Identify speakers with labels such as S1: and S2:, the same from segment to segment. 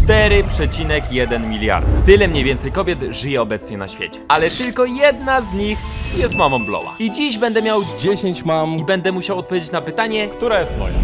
S1: 4,1 miliarda. Tyle mniej więcej kobiet żyje obecnie na świecie. Ale tylko jedna z nich jest mamą Blowa. I dziś będę miał
S2: 10 mam.
S1: i będę musiał odpowiedzieć na pytanie,
S3: Która jest moja?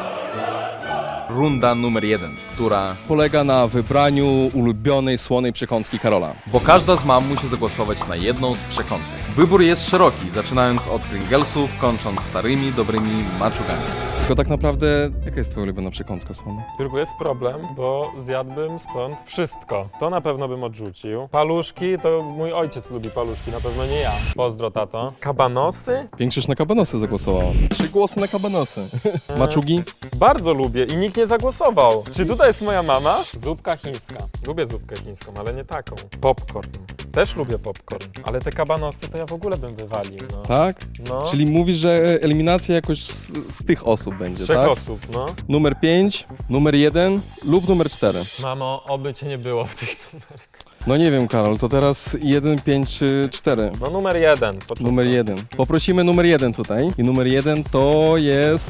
S2: Runda numer 1, która polega na wybraniu ulubionej słonej przekąski Karola. Bo każda z mam musi zagłosować na jedną z przekąsek. Wybór jest szeroki, zaczynając od Pringlesów, kończąc starymi, dobrymi maczugami. Tylko tak naprawdę, jaka jest twoja ulubiona przekąska słona?
S3: Jurku, jest problem, bo zjadłbym stąd wszystko. To na pewno bym odrzucił. Paluszki, to mój ojciec lubi paluszki, na pewno nie ja. Pozdro, tato. Kabanosy?
S2: Większość na kabanosy zagłosowała. 3 głosy na kabanosy. Maczugi?
S3: Bardzo lubię i nikt nie zagłosował. Czy tutaj jest moja mama? Zupka chińska. Lubię zupkę chińską, ale nie taką. Popcorn. Też lubię popcorn, ale te kabanosy to ja w ogóle bym wywalił, no.
S2: Tak?
S3: No.
S2: Czyli mówisz, że eliminacja jakoś z tych osób będzie,
S3: 3
S2: tak?
S3: osób, no.
S2: Numer 5, numer 1 lub numer 4.
S3: Mamo, oby cię nie było w tych numerach.
S2: No nie wiem, Karol, to teraz 1, 5 czy 4?
S3: No numer 1. Początek.
S2: Numer 1. Poprosimy numer 1 tutaj. I numer 1 to jest...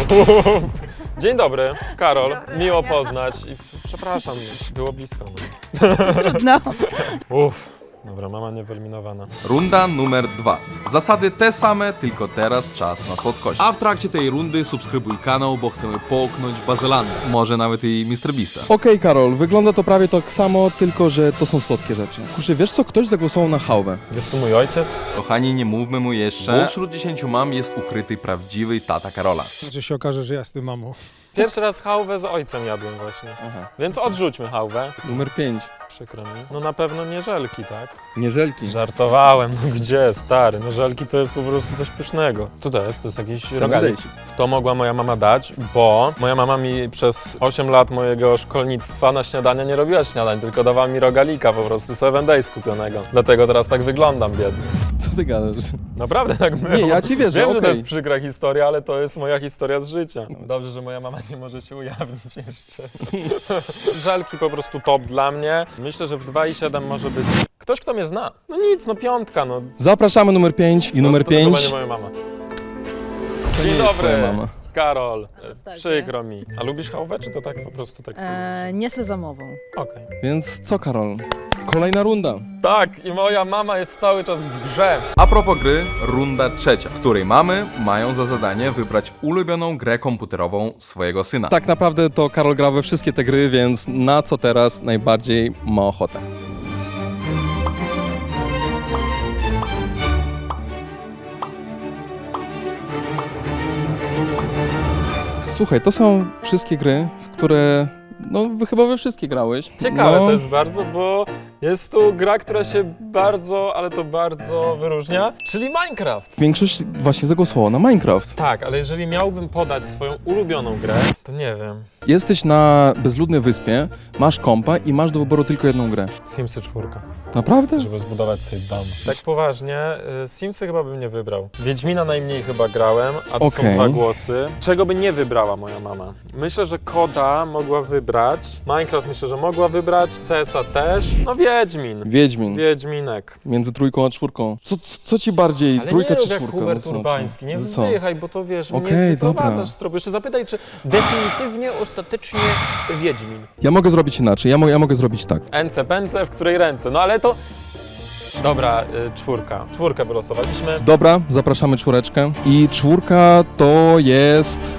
S3: Dzień dobry, Karol. Miło poznać. I przepraszam, było blisko.
S4: No.
S3: Uff. Dobra, mama nie wyeliminowana.
S2: Runda numer 2. Zasady te same, tylko teraz czas na słodkości. A w trakcie tej rundy subskrybuj kanał, bo chcemy połknąć bazylandę. Może nawet i MrBeasta. Okej, Karol, wygląda to prawie tak samo, tylko że to są słodkie rzeczy. Kurczę, wiesz co? Ktoś zagłosował na hałwę.
S3: Jest tu mój ojciec?
S2: Kochani, nie mówmy mu jeszcze, bo wśród 10 mam jest ukryty prawdziwy tata Karola.
S5: Że się okaże, że ja jestem mamą.
S3: Pierwszy raz hałwę z ojcem jadłem właśnie.
S2: Aha.
S3: Więc odrzućmy hałwę.
S2: Numer 5.
S3: Przykro mi. No na pewno nie żelki, tak?
S2: Nie żelki.
S3: Żartowałem, no gdzie, stary? No żelki to jest po prostu coś pysznego. Co to jest? To jest jakiś rogalik. To mogła moja mama dać, bo moja mama mi przez 8 lat mojego szkolnictwa na śniadania nie robiła śniadań, tylko dawała mi rogalika po prostu 7 Days kupionego. Dlatego teraz tak wyglądam biedny.
S2: Co ty gadasz?
S3: Naprawdę tak było.
S2: Nie, ja ci wierzę,
S3: Wiem, że to
S2: okej.
S3: jest przykra historia, ale to jest moja historia z życia. Dobrze, że moja mama nie może się ujawnić jeszcze. Żelki po prostu top dla mnie. Myślę, że w 2,7 może być ktoś, kto mnie zna. No nic, no 5, no.
S2: Zapraszamy numer 5 i numer
S3: to chyba
S2: 5.
S3: nie moja mama.
S2: To
S3: Dzień
S2: nie jest
S3: dobry,
S2: twoja mama.
S3: Karol.
S4: Stasiu.
S3: Przykro mi. A lubisz hałwę, czy to tak po prostu tak sobie myślisz?
S4: Nie sezamową.
S3: Okej.
S2: Więc co, Karol? Kolejna runda.
S3: Tak, i moja mama jest cały czas w grze.
S2: A propos gry, runda trzecia, w której mamy mają za zadanie wybrać ulubioną grę komputerową swojego syna. Tak naprawdę to Karol gra we wszystkie te gry, więc na co teraz najbardziej ma ochotę? Słuchaj, to są wszystkie gry, w które... No, chyba we wszystkie grałeś.
S3: Ciekawe
S2: no,
S3: to jest bardzo, bo jest tu gra, która się bardzo, ale to bardzo wyróżnia, czyli Minecraft.
S2: Większość właśnie zagłosowała na Minecraft.
S3: Tak, ale jeżeli miałbym podać swoją ulubioną grę, to nie wiem.
S2: Jesteś na bezludnej wyspie, masz kompa i masz do wyboru tylko jedną grę.
S3: Simsy 4,
S2: Naprawdę?
S3: żeby zbudować sobie dom. Tak poważnie, Simsy chyba bym nie wybrał. Wiedźmina najmniej chyba grałem, a to są
S2: Okej.
S3: 2 głosy. Czego by nie wybrała moja mama? Myślę, że Koda mogła wybrać, Minecraft myślę, że mogła wybrać, CS-a też. No Wiedźmin.
S2: Wiedźmin.
S3: Wiedźminek.
S2: Między trójką a czwórką. Co ci bardziej?
S3: Ale
S2: Trójka
S3: nie
S2: czy
S3: rób jak
S2: czwórka?
S3: Hubert
S2: No co?
S3: Urbański, nie
S2: Co?
S3: wzdychaj, bo to wiesz, mnie
S2: Okej, dobra.
S3: wyprowadzasz z tropu. Jeszcze zapytaj, czy definitywnie, ostatecznie Wiedźmin.
S2: Ja mogę zrobić inaczej, ja mogę zrobić tak.
S3: Ence, pęce, w której ręce? No ale to... Dobra, 4. 4 wylosowaliśmy.
S2: Dobra, zapraszamy czwóreczkę. I czwórka to jest...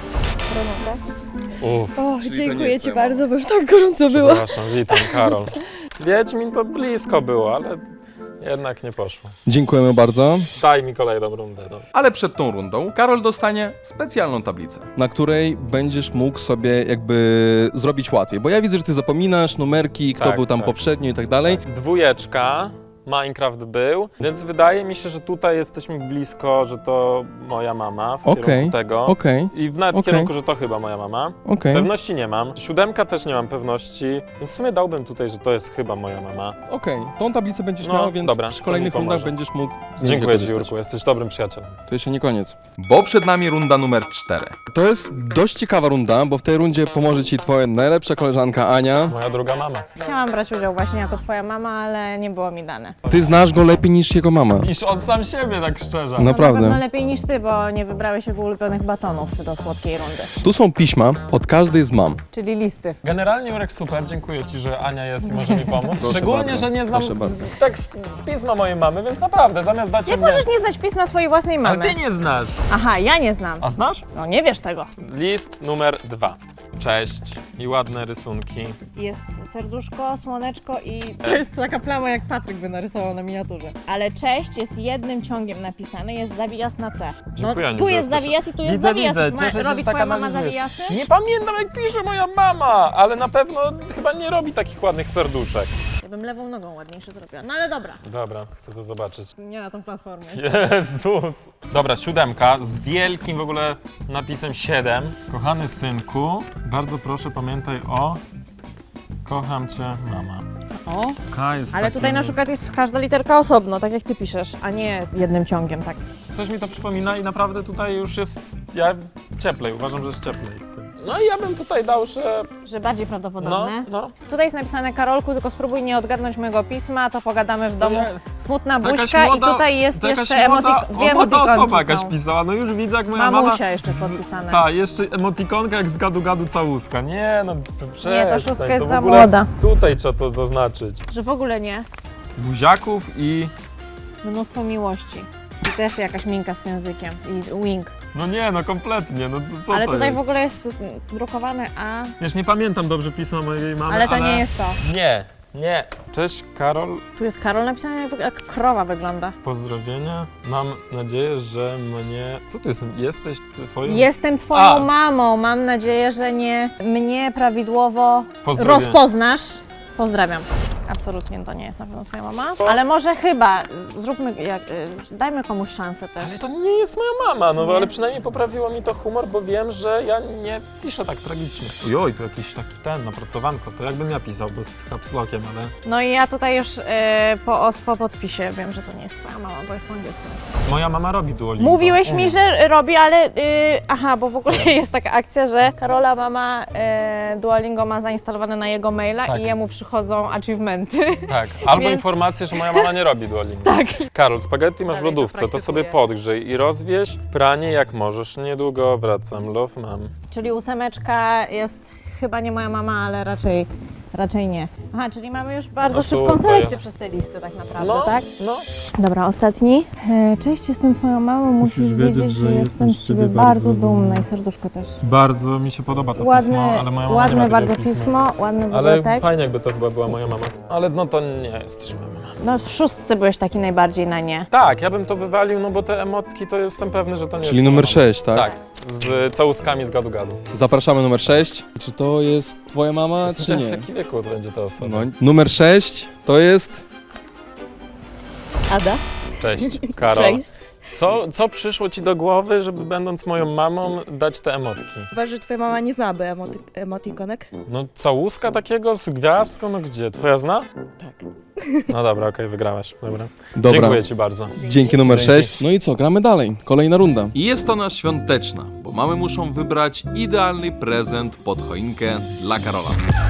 S3: Uff,
S4: O,
S2: Czyli to nie
S4: dziękuję
S2: jest
S4: ci
S2: twoja
S4: bardzo, bo już tak gorąco było.
S3: przepraszam, witam, Karol. Wiedźmin to blisko było, ale jednak nie poszło.
S2: Dziękujemy bardzo.
S3: Daj mi kolejną rundę. No.
S2: Ale przed tą rundą Karol dostanie specjalną tablicę, na której będziesz mógł sobie jakby zrobić łatwiej. Bo ja widzę, że ty zapominasz numerki, kto
S3: Tak,
S2: był tam
S3: tak.
S2: poprzednio i tak dalej.
S3: 2, Minecraft był, więc wydaje mi się, że tutaj jesteśmy blisko, że to moja mama w kierunku tego.
S2: Okej,
S3: I w nawet
S2: Okej.
S3: kierunku, że to chyba moja mama.
S2: okej.
S3: Pewności nie mam. 7 też nie mam pewności, więc w sumie dałbym tutaj, że to jest chyba moja mama.
S2: Okej, tą tablicę będziesz
S3: No,
S2: miał, więc
S3: dobra,
S2: przy
S3: to
S2: kolejnych
S3: mi pomoże.
S2: rundach będziesz mógł z niej
S3: Dziękuję Ci,
S2: korzystać.
S3: Jurku, jesteś dobrym przyjacielem.
S2: To jeszcze nie koniec. Bo przed nami runda numer 4. To jest dość ciekawa runda, bo w tej rundzie pomoże Ci Twoja najlepsza koleżanka Ania.
S3: Moja druga mama.
S6: Chciałam brać udział właśnie jako twoja mama, ale nie było mi dane. napisane.
S2: Ty znasz go lepiej niż jego mama.
S3: Niż on sam siebie, tak szczerze.
S6: No na pewno
S2: Naprawdę.
S6: lepiej niż ty, bo nie wybrałeś jego ulubionych batonów do słodkiej rundy.
S2: Tu są pisma od każdej z mam.
S6: Czyli listy.
S3: Generalnie Jurek super, dziękuję Ci, że Ania jest i może mi pomóc.
S2: Proszę
S3: Szczególnie,
S2: bardzo,
S3: że nie znam
S2: proszę bardzo.
S3: tekst pisma mojej mamy, więc naprawdę, zamiast dać
S6: Jak
S3: mnie...
S6: możesz nie znać pisma swojej własnej
S3: Ale
S6: mamy?
S3: Ty nie znasz.
S6: Aha, ja nie znam.
S3: A znasz?
S6: No nie wiesz tego.
S3: List numer 2. Cześć i ładne rysunki.
S6: Jest serduszko, słoneczko i... To jest taka plama, jak Patryk by narysował na miniaturze. Ale cześć jest jednym ciągiem napisane, jest zawijas na C.
S3: Dziękuję,
S6: No,
S3: Aniu,
S6: tu
S3: że
S6: jest
S3: jesteś-
S6: zawijas i tu jest
S3: Widzę,
S6: zawijas.
S3: widzę. Cieszę się,
S6: Robi
S3: że tak
S6: twoja mama
S3: analizujesz.
S6: zawijasy?
S3: Nie pamiętam, jak pisze moja mama, ale na pewno chyba nie robi takich ładnych serduszek.
S6: Ja bym lewą nogą ładniejsze zrobiła. No ale dobra.
S3: Dobra, chcę to zobaczyć.
S6: Nie na tą platformę.
S3: Jezus! Dobra, 7 z wielkim w ogóle napisem 7. Kochany synku, bardzo proszę pamiętaj o... Kocham Cię, mama.
S6: O,
S3: K jest
S6: ale
S3: taki-
S6: tutaj na przykład jest każda literka osobno, tak jak ty piszesz, a nie jednym ciągiem, tak.
S3: Coś mi to przypomina i naprawdę tutaj już jest... Ja cieplej, uważam, że jest cieplej z tym. No i ja bym tutaj dał, że...
S6: Że bardziej
S3: No,
S6: prawdopodobne.
S3: no.
S6: Tutaj jest napisane Karolku, tylko spróbuj nie odgadnąć mojego pisma, to pogadamy w domu.
S3: ja-
S6: Smutna
S3: Jakaś
S6: buźka
S3: młoda-
S6: i tutaj jest
S3: jakaś
S6: jeszcze dwie
S3: młoda osoba
S6: emotikonki
S3: jakaś
S6: są.
S3: pisała, no już widzę jak moja
S6: Mamusia
S3: mama...
S6: jeszcze podpisane.
S3: Tak, jeszcze emotikonka jak z gadu całuska. Nie no, przestań.
S6: Nie, ta szóstka jest
S3: to w
S6: za
S3: ogóle
S6: młoda.
S3: Tutaj trzeba to zaznaczyć.
S6: Że w ogóle nie.
S3: Buziaków i...
S6: Mnóstwo miłości. I też jakaś minka z językiem. I wink.
S3: No nie, no kompletnie, no co
S6: Ale
S3: to
S6: tutaj
S3: jest?
S6: w ogóle jest drukowane A,
S3: Wiesz, nie pamiętam dobrze pisma mojej mamy,
S6: ale to nie jest to.
S3: Nie, nie. Cześć Karol,
S6: Tu jest Karol napisane, jak krowa wygląda.
S3: pozdrowienia. Mam nadzieję, że mnie... Co tu jest? Jesteś twoją...
S6: Jestem twoją
S3: A.
S6: mamą. Mam nadzieję, że nie mnie prawidłowo
S3: Pozdrowienia.
S6: rozpoznasz. Pozdrawiam. Absolutnie to nie jest na pewno twoja mama. Ale może chyba zróbmy, dajmy komuś szansę też.
S3: Ale to nie jest moja mama, no
S6: Nie.
S3: ale przynajmniej poprawiło mi to humor, bo wiem, że ja nie piszę tak tragicznie. Ojoj, to jakiś taki napracowanko, to jakbym ja pisał, bo z capslockiem, ale...
S6: No i ja tutaj już po podpisie wiem, że to nie jest twoja mama, bo jest po angielsku napisane.
S3: Moja mama robi Duolingo.
S6: Mówiłeś mi, że robi, ale aha, bo w ogóle jest taka akcja, że Karola mama Duolingo ma zainstalowane na jego maila
S3: Tak.
S6: i jemu przychodzą achievementy.
S3: Tak, albo
S6: Więc-
S3: informację, że moja mama nie robi Duolingo.
S6: Tak.
S3: Karol, spaghetti masz w
S6: Dalej to
S3: lodówce, to sobie
S6: praktykuję.
S3: podgrzej i rozwieź pranie jak możesz. Niedługo wracam, love mam.
S6: Czyli 8 jest chyba nie moja mama, ale raczej nie. Aha, czyli mamy już bardzo
S3: No
S6: szybką
S3: super.
S6: selekcję przez te listy tak naprawdę,
S3: No,
S6: tak?
S3: no.
S6: Dobra, ostatni. Cześć, jestem twoją mamą, musisz wiedzieć, że jestem z ciebie bardzo dumna i serduszko też.
S3: Bardzo mi się podoba to
S6: Ładne,
S3: pismo, ale moja mama
S6: ładne
S3: nie ma
S6: bardzo
S3: takiego
S6: pismo, ładny w ogóle
S3: Ale
S6: tekst.
S3: fajnie jakby to chyba była moja mama. Ale no to nie jesteś moja mama.
S6: No w szóstce byłeś taki najbardziej na nie.
S3: Tak, ja bym to wywalił, no bo te emotki to jestem pewny, że to nie
S2: Czyli
S3: jest
S2: numer
S3: moja mama.
S2: 6, tak?
S3: Tak, z całuskami z gadu-gadu.
S2: Zapraszamy numer 6. Czy to jest twoja mama, czy
S3: W
S2: nie?
S3: jakim wieku to będzie ta osoba?
S2: No, numer 6 to jest...
S4: Ada.
S3: Cześć, Karol.
S4: Cześć.
S3: Co przyszło ci do głowy, żeby będąc moją mamą dać te emotki?
S4: Uważasz, że twoja mama nie znałaby emotikonek?
S3: No całuska takiego z gwiazdką, no gdzie? Twoja zna?
S4: Tak.
S3: No dobra, okej, wygrałaś. Dobra.
S2: Dobra.
S3: Dziękuję ci bardzo.
S2: Dzięki numer
S3: Dzięki.
S2: 6. No i co, gramy dalej. Kolejna runda. I jest ona świąteczna, bo mamy muszą wybrać idealny prezent pod choinkę dla Karola.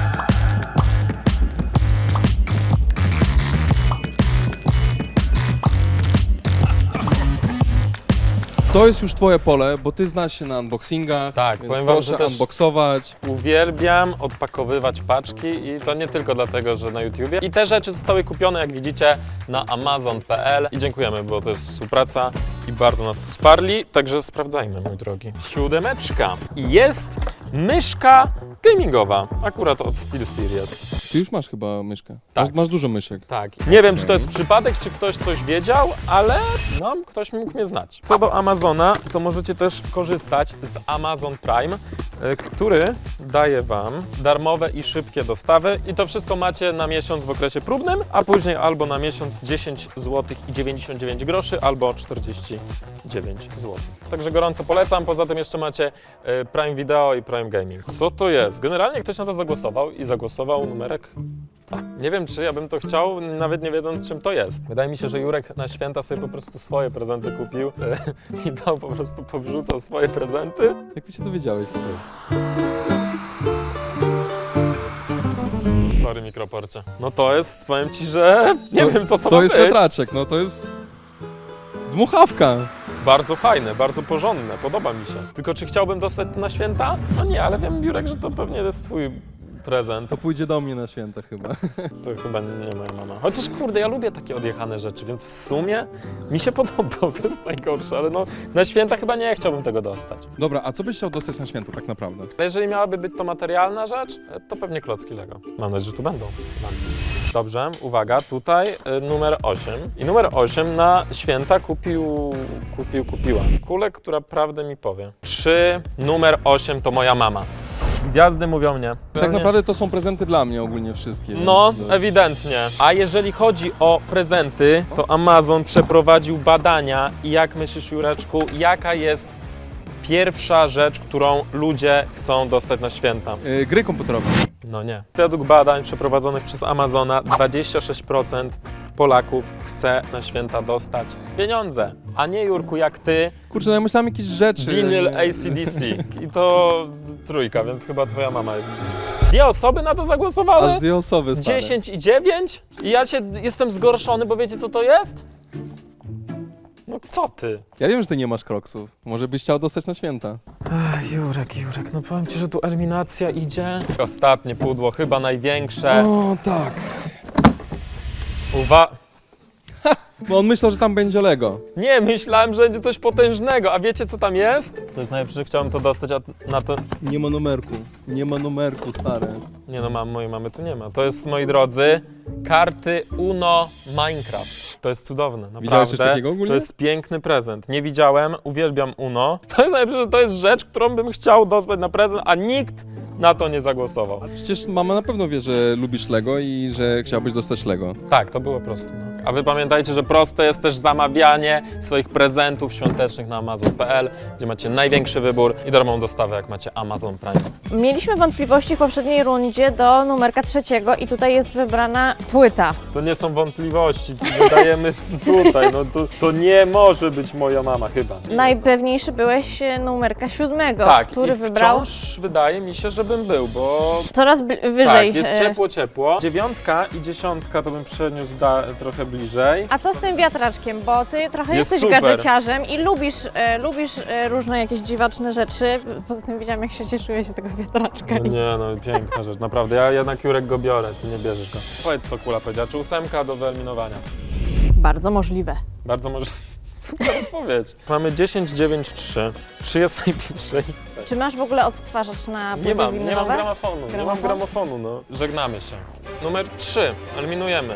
S2: To jest już twoje pole, bo ty znasz się na unboxingach,
S3: Tak,
S2: więc
S3: powiem wam,
S2: proszę
S3: że też-
S2: unboxować.
S3: Uwielbiam odpakowywać paczki i to nie tylko dlatego, że na YouTubie. I te rzeczy zostały kupione, jak widzicie, na amazon.pl i dziękujemy, bo to jest współpraca i bardzo nas wsparli, także sprawdzajmy, mój drogi. 7. I jest myszka gamingowa, akurat od SteelSeries.
S2: Ty już masz chyba myszkę.
S3: Tak.
S2: Masz dużo myszek.
S3: Tak. Nie wiem, czy to jest przypadek, czy ktoś coś wiedział, ale no, ktoś mógł mnie znać. Co do Amazona, to możecie też korzystać z Amazon Prime, który daje Wam darmowe i szybkie dostawy i to wszystko macie na miesiąc w okresie próbnym, a później albo na miesiąc 10 zł i 99 groszy, albo 49 zł. Także gorąco polecam, poza tym jeszcze macie Prime Video i Prime Gaming. Co to jest? Generalnie ktoś na to zagłosował i zagłosował numerek 2. Nie wiem, czy ja bym to chciał, nawet nie wiedząc, czym to jest. Wydaje mi się, że Jurek na święta sobie po prostu swoje prezenty kupił i dał po prostu, powrzucał swoje prezenty.
S2: Jak ty się dowiedziałeś?
S3: Sorry, mikroporcie. No to jest, powiem ci, że nie wiem co to ma
S2: To jest
S3: być.
S2: wiatraczek, no to jest dmuchawka.
S3: Bardzo fajne, bardzo porządne, podoba mi się. Tylko czy chciałbym dostać to na święta? No nie, ale wiem, Jurek, że to pewnie jest twój prezent.
S2: To pójdzie do mnie na święta chyba.
S3: To chyba nie moja mama. Chociaż kurde, ja lubię takie odjechane rzeczy, więc w sumie mi się podobał, to jest najgorsze, ale no na święta chyba nie chciałbym tego dostać.
S2: Dobra, a co byś chciał dostać na święta tak naprawdę?
S3: Ale jeżeli miałaby być to materialna rzecz, to pewnie klocki Lego. Mam nadzieję, że tu będą. Dobrze, uwaga, tutaj numer 8. I numer 8 na święta kupiła kulę, która prawdę mi powie. Czy numer 8 to moja mama? Gwiazdy mówią nie.
S2: Tak naprawdę to są prezenty dla mnie ogólnie wszystkie.
S3: No,
S2: więc-
S3: ewidentnie. A jeżeli chodzi o prezenty, to Amazon przeprowadził badania i jak myślisz, Jureczku, jaka jest pierwsza rzecz, którą ludzie chcą dostać na święta?
S2: Gry komputerowe.
S3: No nie. Według badań przeprowadzonych przez Amazona 26% Polaków chce na święta dostać pieniądze, a nie, Jurku, jak ty,
S2: Kurczę, no ja myślałem jakieś rzeczy.
S3: winyl AC/DC. I to trójka, więc chyba twoja mama jest. 2 osoby na to zagłosowały?
S2: Aż 2 osoby, stare.
S3: 10 i 9? I ja jestem zgorszony, bo wiecie co to jest? No co ty?
S2: Ja wiem, że ty nie masz kroksów. Może byś chciał dostać na święta.
S3: Jurek, no powiem ci, że tu eliminacja idzie. Ostatnie pudło, chyba największe.
S2: O, tak. Bo on myślał, że tam będzie Lego.
S3: Nie, myślałem, że będzie coś potężnego, a wiecie co tam jest? To jest najlepsze, że chciałem to dostać, a na to...
S2: Nie ma numerku. Nie ma numerku, stare.
S3: Nie no, mojej mamy tu nie ma. To jest, moi drodzy, karty Uno Minecraft. To jest cudowne, naprawdę.
S2: Widziałeś coś takiego ogólnie?
S3: To jest piękny prezent. Nie widziałem, uwielbiam Uno. To jest najlepsze, że to jest rzecz, którą bym chciał dostać na prezent, a nikt na to nie zagłosował.
S2: Przecież mama na pewno wie, że lubisz Lego i że chciałbyś dostać Lego.
S3: Tak, to było proste. No. A wy pamiętajcie, że proste jest też zamawianie swoich prezentów świątecznych na Amazon.pl, gdzie macie największy wybór i darmową dostawę, jak macie Amazon Prime.
S6: Mieliśmy wątpliwości w poprzedniej rundzie do numerka 3 i tutaj jest wybrana płyta.
S3: To nie są wątpliwości, wydajemy tutaj, no to nie może być moja mama chyba.
S6: Najpewniejszy byłeś numerka 7,
S3: Tak,
S6: który
S3: i
S6: wybrał
S3: wciąż wydaje mi się, żebym był, bo
S6: coraz wyżej.
S3: tak, jest ciepło. 9 i 10 to bym przeniósł trochę bliżej.
S6: A co z tym wiatraczkiem? Bo ty trochę
S3: Jest
S6: jesteś
S3: super.
S6: gadżeciarzem i lubisz różne jakieś dziwaczne rzeczy. Poza tym widziałam, jak się cieszyłeś z tego wiatraczka.
S3: No nie, no piękna rzecz, naprawdę. Ja jednak, Jurek, go biorę, ty nie bierzesz go. Powiedz, co Kula powiedziała, czy 8 do wyeliminowania?
S6: Bardzo możliwe.
S3: Bardzo możliwe. Super odpowiedź. Mamy 10, 9, 3. Czy jest najbliżej?
S6: Czy masz w ogóle odtwarzacz na płyty
S3: Nie mam
S6: winylowe?
S3: gramofonu, nie mam gramofonu, no. Żegnamy się. Numer 3, eliminujemy.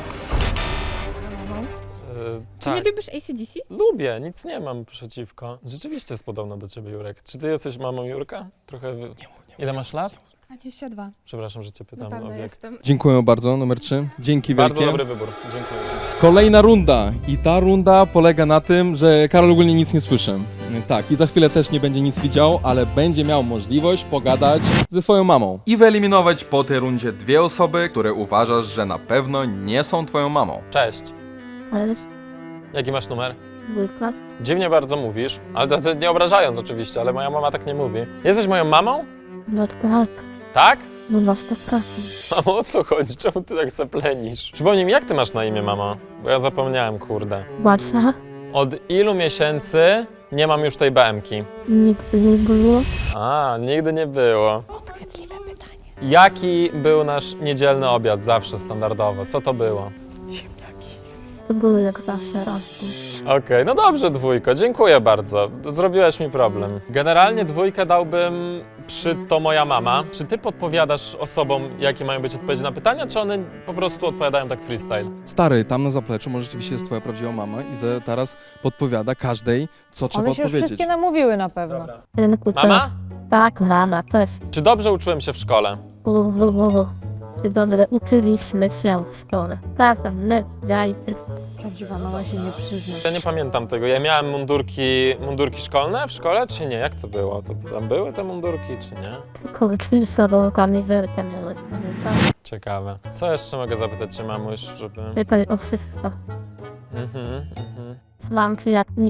S7: Czy nie
S3: Tak,
S7: lubisz AC/DC?
S3: lubię, nic nie mam przeciwko. Rzeczywiście jest podobna do ciebie, Jurek. Czy ty jesteś mamą Jurka? Trochę... Ile masz lat?
S7: 22.
S3: Przepraszam, że cię pytam
S7: Na
S3: o
S7: pewno
S3: wiek.
S7: jestem.
S2: Dziękuję bardzo, numer 3. Dzięki
S3: Bardzo
S2: wielkie.
S3: dobry wybór, dziękuję ci.
S2: Kolejna runda. I ta runda polega na tym, że Karol ogólnie nic nie słyszy. Tak, i za chwilę też nie będzie nic widział, ale będzie miał możliwość pogadać ze swoją mamą. I wyeliminować po tej rundzie 2 osoby, które uważasz, że na pewno nie są twoją mamą.
S3: Cześć.
S8: Ale
S3: Jaki masz numer?
S8: dwójka.
S3: Dziwnie bardzo mówisz, ale to nie obrażając oczywiście, ale moja mama tak nie mówi. Jesteś moją mamą?
S8: No tak,
S3: Tak?
S8: no na 100%.
S3: Mamo, o co chodzi? Czemu ty tak zaplenisz? Przypomnij mi, jak ty masz na imię, mamo? Bo ja zapomniałem, kurde.
S8: Łatwa?
S3: Od ilu miesięcy nie mam już tej BM-ki?
S8: Nigdy nie było.
S3: A, nigdy nie było.
S6: Podchwytliwe pytanie.
S3: Jaki był nasz niedzielny obiad zawsze standardowo? Co to było?
S8: To były jak zawsze rosły.
S3: Okej, no dobrze, 2, dziękuję bardzo. Zrobiłeś mi problem. Generalnie 2 dałbym przy to moja mama. Czy ty podpowiadasz osobom, jakie mają być odpowiedzi na pytania, czy one po prostu odpowiadają tak freestyle?
S2: Stary, tam na zapleczu może rzeczywiście jest twoja prawdziwa mama i teraz podpowiada każdej, co trzeba
S6: One się już
S2: odpowiedzieć.
S6: wszystkie namówiły na pewno.
S8: Rynku
S3: Mama?
S8: Tak, mama, też.
S3: Czy dobrze uczyłem się w szkole?
S8: Czy dobrze uczyliśmy się w szkole. Czasem my, jajty.
S6: Prawdziwa mama się nie przyzna.
S3: Ja nie pamiętam tego. Ja miałem mundurki szkolne w szkole, czy nie? Jak to było? To tam były te mundurki, czy nie?
S8: Tylko oczywistą kamizelkę miałeś.
S3: Ciekawe. Co jeszcze mogę zapytać cię, mamuś, żeby...
S8: Pytaj o wszystko.
S3: Mhm.
S8: Znam cię jak nikt.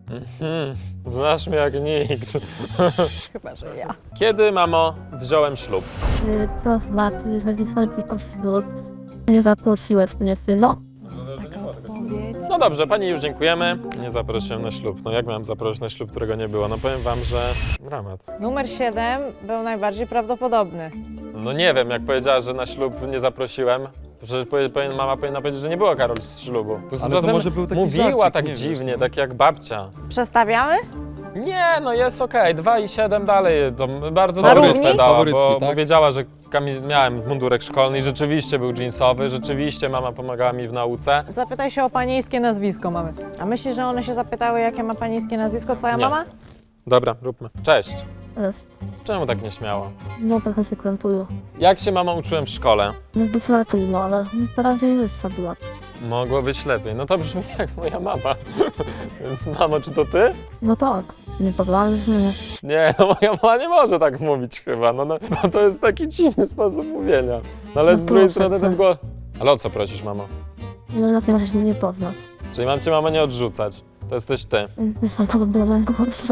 S3: Znasz mnie jak nikt.
S6: Chyba, że ja.
S3: Kiedy, mamo, wziąłem ślub?
S8: To znaczy, że nie chodzi o ślub. Nie zaprosiłeś mnie, syno.
S3: No dobrze, pani już dziękujemy. Nie zaprosiłem na ślub. No jak miałem zaprosić na ślub, którego nie było? No powiem wam, że dramat.
S6: Numer 7 był najbardziej prawdopodobny.
S3: No nie wiem, jak powiedziała, że na ślub nie zaprosiłem. Przecież mama powinna powiedzieć, że nie było Karol z ślubu.
S2: Ale to może był taki
S3: mówiła
S2: żarcik,
S3: tak
S2: nie wiesz,
S3: dziwnie,
S2: no.
S3: tak jak babcia.
S6: Przestawiamy?
S3: Nie, no jest okej, 2 i 7 dalej, to bardzo
S6: Na
S3: dobrze
S6: równi?
S3: dała,
S2: Faworytki,
S3: bo
S2: tak?
S3: wiedziała, że miałem mundurek szkolny i rzeczywiście był jeansowy, rzeczywiście mama pomagała mi w nauce.
S6: Zapytaj się o panieńskie nazwisko mamy. A myślisz, że one się zapytały, jakie ma panieńskie nazwisko twoja
S3: Nie.
S6: mama?
S3: Dobra, róbmy. Cześć.
S8: Jest.
S3: Czemu tak nieśmiało?
S8: No trochę się krępuję.
S3: Jak się mama uczyłem w szkole?
S8: No być lepiej, no ale teraz jest była.
S3: Mogło być lepiej. No to brzmi jak moja mama. Więc mamo, czy to ty?
S8: No tak, nie pozwalasz mnie.
S3: Nie, no moja mama nie może tak mówić chyba. No, to jest taki dziwny sposób mówienia. No ale
S8: No
S3: z drugiej
S8: proszę
S3: strony
S8: cię.
S3: ten głos... Ale o co prosisz, mamo?
S8: No jak możesz mnie nie poznać.
S3: Czyli mam cię, mama, nie odrzucać. To jesteś ty.
S8: Jestem problemem, kurczę.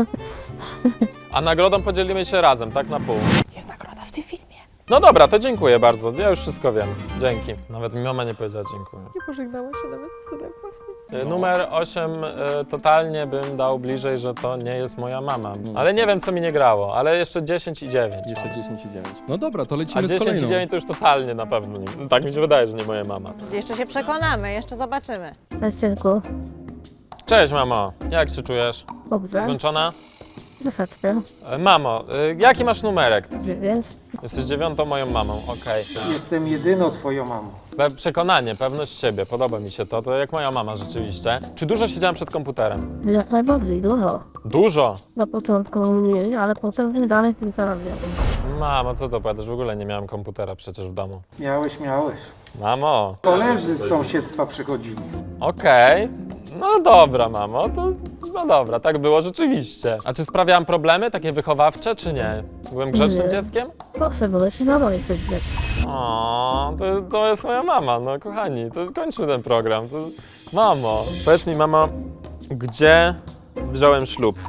S3: A nagrodą podzielimy się razem, tak na pół.
S6: Jest nagroda w tym filmie.
S3: No dobra, to dziękuję bardzo. Ja już wszystko wiem. Dzięki. Nawet mi mama nie powiedziała dziękuję.
S6: Nie pożegnałam się nawet z synem własnym.
S3: Numer 8 totalnie bym dał bliżej, że to nie jest moja mama. Ale nie wiem, co mi nie grało. Ale jeszcze 10 i 9.
S2: Jeszcze 10 i 9. No dobra, to
S3: A
S2: lecimy z
S3: 10
S2: kolejną.
S3: i 9 to już totalnie na pewno nie. Tak mi się wydaje, że nie moja mama.
S6: Jeszcze się przekonamy, jeszcze zobaczymy.
S8: Cześć, synku.
S3: Cześć, mamo. Jak się czujesz?
S8: Dobrze.
S3: Zmęczona?
S8: Troszeczkę.
S3: Mamo, jaki masz numerek?
S8: 9.
S3: Jesteś 9 moją mamą, okej.
S5: Jestem jedyną twoją mamą.
S3: Przekonanie, pewność siebie, podoba mi się to. To jak moja mama rzeczywiście. Czy dużo siedziałem przed komputerem?
S8: Jak najbardziej, dużo.
S3: Dużo!
S8: Na początku mniej, ale potem dalej kilka razy.
S3: Mamo, co to powiadasz? W ogóle nie miałem komputera przecież w domu.
S5: Miałeś.
S3: Mamo,
S5: Koledzy z sąsiedztwa przychodzili.
S3: okej. No dobra, mamo, to no dobra, tak było rzeczywiście. A czy sprawiałam problemy takie wychowawcze, czy nie? Byłem grzecznym
S8: Nie.
S3: dzieckiem?
S8: Proszę, bo się nadal jesteś dzieckiem.
S3: O, to jest moja mama, no kochani, to kończmy ten program. Mamo, powiedz mi, mamo, gdzie wziąłem ślub?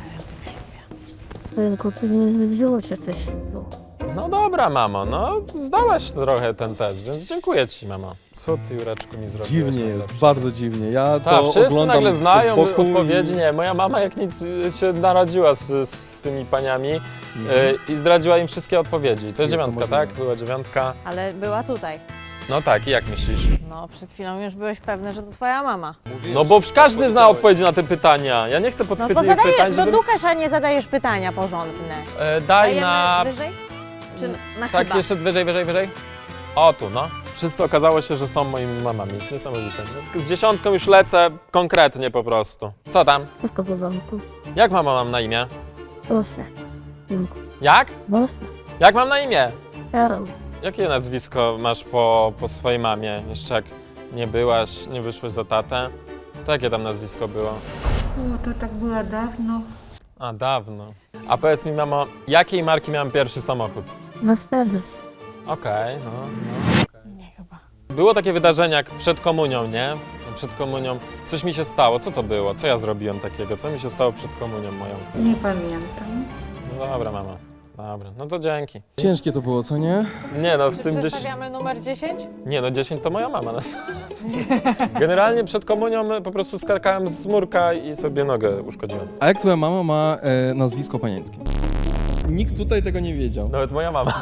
S8: Synku, ty nie wziąłeś się coś.
S3: No dobra, mamo, no zdałaś trochę ten test, więc dziękuję ci, mamo. Co ty, Jureczku, mi zrobiłeś?
S2: Dziwnie jest,
S3: najlepsze?
S2: bardzo dziwnie. Ja
S3: Tak,
S2: to
S3: wszyscy
S2: oglądam
S3: nagle znają
S2: z boku
S3: odpowiedzi. Nie, moja mama jak nic się naradziła z tymi paniami i zdradziła im wszystkie odpowiedzi. To jest
S2: Jest to
S3: 9,
S2: możliwe.
S3: tak? Była 9.
S6: Ale była tutaj.
S3: No tak, i jak myślisz?
S6: No, przed chwilą już byłeś pewny, że to twoja mama.
S3: No bo każdy zna odpowiedzi na te pytania. Ja nie chcę
S6: No to
S3: podchwytliwych pytań,
S6: zadajesz,
S3: żeby...
S6: do dukasz, a nie zadajesz pytania porządne.
S3: Daj
S6: Dajemy
S3: na...
S6: wyżej? Czy na
S3: Tak,
S6: chyba?
S3: jeszcze wyżej. O, tu, no. Wszyscy okazało się, że są moimi mamami. Jest niesamowite. Z 10 już lecę konkretnie po prostu. Co tam?
S8: Wszystko w porządku.
S3: Jak mama mam na imię?
S8: Proszę. Synku.
S3: Jak?
S8: Proszę.
S3: Jak mam na imię?
S8: Karol.
S3: Jakie nazwisko masz po swojej mamie? Jeszcze jak nie wyszłeś za tatę? To jakie tam nazwisko było?
S9: O, to tak było dawno.
S3: A, dawno. A powiedz mi, mamo, jakiej marki miałem pierwszy samochód?
S8: Mercedes.
S3: Okej, no.
S6: Nie chyba.
S3: Było takie wydarzenie jak przed komunią, nie? Przed komunią coś mi się stało. Co to było? Co ja zrobiłem takiego? Co mi się stało przed komunią moją?
S9: Nie pamiętam.
S3: No dobra, mama. Dobra, no to dzięki.
S2: Ciężkie to było, co nie?
S3: Nie no, w
S6: Czy
S3: tym 10...
S6: przestawiamy numer 10?
S3: Nie no, 10 to moja mama. Generalnie przed komunią po prostu skakałem z murka i sobie nogę uszkodziłem.
S2: A jak twoja mama ma nazwisko panieńskie? Nikt tutaj tego nie wiedział.
S3: Nawet moja mama.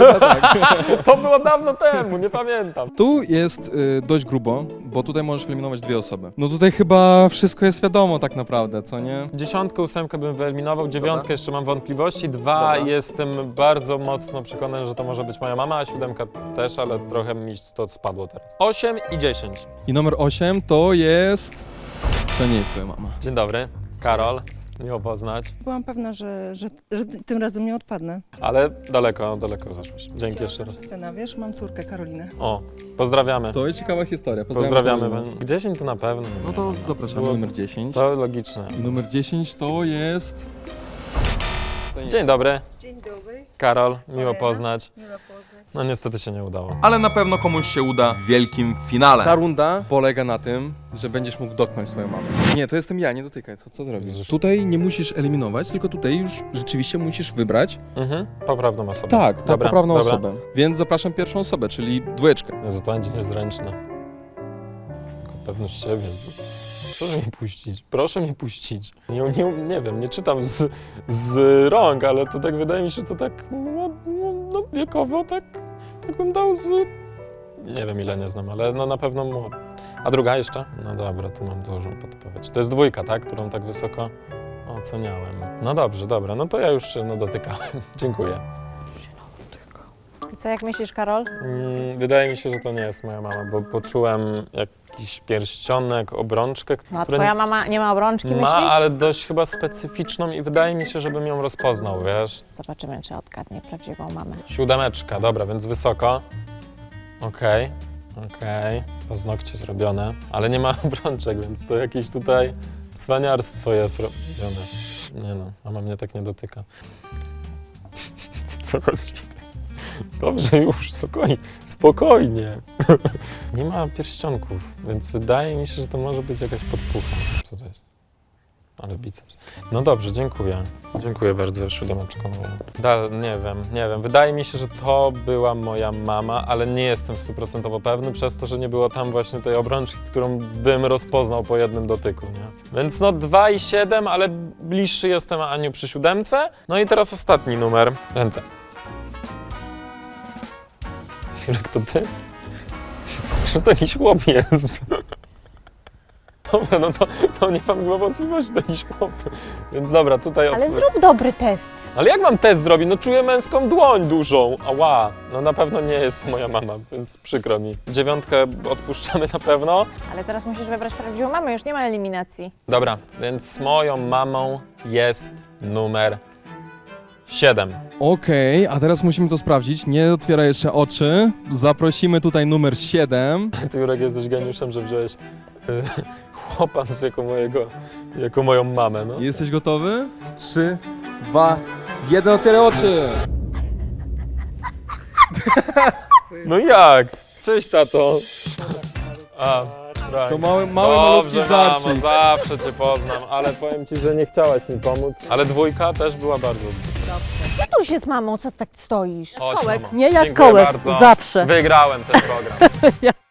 S3: To było dawno temu, nie pamiętam.
S2: Tu jest dość grubo, bo tutaj możesz wyeliminować 2 osoby. No tutaj chyba wszystko jest wiadomo tak naprawdę, co nie?
S3: 10, 8 bym wyeliminował, 9
S2: Dobra.
S3: jeszcze mam wątpliwości, 2
S2: Dobra.
S3: jestem bardzo mocno przekonany, że to może być moja mama, a 7 też, ale trochę mi to spadło teraz. 8 i 10.
S2: I numer 8 to jest... To nie jest twoja mama.
S3: Dzień dobry, Karol. Miło poznać,
S7: Byłam pewna, że tym razem nie odpadnę.
S3: ale daleko zaszłeś. Dzięki jeszcze raz.
S7: Syna, wiesz, mam córkę Karolinę.
S3: O, pozdrawiamy.
S2: To jest ciekawa historia.
S3: Pozdrawiamy.
S2: Karolina.
S3: 10 to na pewno.
S2: No to zapraszamy
S3: Było-
S2: numer 10.
S3: To logiczne.
S2: I numer 10 to jest...
S3: Dzień dobry.
S7: Dzień dobry.
S3: Karol, miło
S7: Olena.
S3: poznać.
S7: Miło poznać.
S3: No niestety się nie udało.
S2: Ale na pewno komuś się uda w wielkim finale. Ta runda polega na tym, że będziesz mógł dotknąć swoją mamę. Nie, to jestem ja, nie dotykaj, co zrobisz?
S3: Jezus.
S2: Tutaj nie musisz eliminować, tylko tutaj już rzeczywiście musisz wybrać.
S3: Poprawną osobę.
S2: Tak, ta
S3: Dobra,
S2: poprawną
S3: dobra.
S2: osobę. Więc zapraszam pierwszą osobę, czyli dwójeczkę.
S3: Jezu, to będzie niezręczne. Tylko pewność siebie. Jezu. Proszę mnie puścić, proszę mnie puścić. Nie wiem, nie czytam z rąk, ale to tak wydaje mi się, że to tak no, wiekowo tak bym dał z... Nie wiem ile nie znam, ale no na pewno A druga jeszcze? No dobra, tu mam dużą podpowiedź. To jest dwójka, tak? Którą tak wysoko oceniałem. No dobrze, dobra, no to ja już się dotykałem. Dziękuję.
S6: I co, jak myślisz, Karol?
S3: Wydaje mi się, że to nie jest moja mama, bo poczułem jakiś pierścionek, obrączkę,
S6: No, a
S3: które
S6: twoja mama nie ma obrączki,
S3: ma,
S6: myślisz?
S3: ale dość chyba specyficzną i wydaje mi się, żebym ją rozpoznał, wiesz.
S6: Zobaczymy, czy odgadnie prawdziwą mamę.
S3: 7, dobra, więc wysoko. Okej. Paznokcie zrobione, ale nie ma obrączek, więc to jakieś tutaj cwaniarstwo jest robione. Nie no, mama mnie tak nie dotyka. Co chodzi? Dobrze już, spokojnie. Nie ma pierścionków, więc wydaje mi się, że to może być jakaś podpucha. Co to jest? Ale biceps. No dobrze, dziękuję. Dziękuję bardzo, 7. Nie wiem. Wydaje mi się, że to była moja mama, ale nie jestem 100% pewny przez to, że nie było tam właśnie tej obrączki, którą bym rozpoznał po jednym dotyku, nie? Więc no 2 i 7, ale bliższy jestem Aniu przy 7. No i teraz ostatni numer. Ręce. Jurek, to ty? Że to jakiś chłop jest. Dobra, no to nie mam chyba wątpliwości, to jakiś chłop. Więc dobra, tutaj...
S6: Ale zrób dobry test.
S3: Ale jak mam test zrobić? No czuję męską dłoń dużą. Ała. No na pewno nie jest to moja mama, więc przykro mi. 9 odpuszczamy na pewno.
S6: Ale teraz musisz wybrać prawdziwą mamę, już nie ma eliminacji.
S3: Dobra, więc moją mamą jest numer 7.
S2: Okej, a teraz musimy to sprawdzić. Nie otwieraj jeszcze oczy. Zaprosimy tutaj numer 7.
S3: Ty, Jurek, jesteś geniuszem, że wziąłeś chłopa jako moją mamę, no.
S2: Jesteś gotowy? 3, 2, 1, otwieraj oczy!
S3: No jak? Cześć, tato. A, tak.
S2: To mały malutki
S3: Dobrze,
S2: żarcik.
S3: mamo, zawsze cię poznam, ale powiem ci, że nie chciałaś mi pomóc. Ale 2 też była bardzo bliska.
S6: Tuż się z mamą, co tak stoisz?
S3: Chodź,
S6: Kołek.
S3: mamo.
S7: Nie jak
S3: Dziękuję
S7: kołek,
S3: bardzo.
S7: zawsze.
S3: Wygrałem ten program.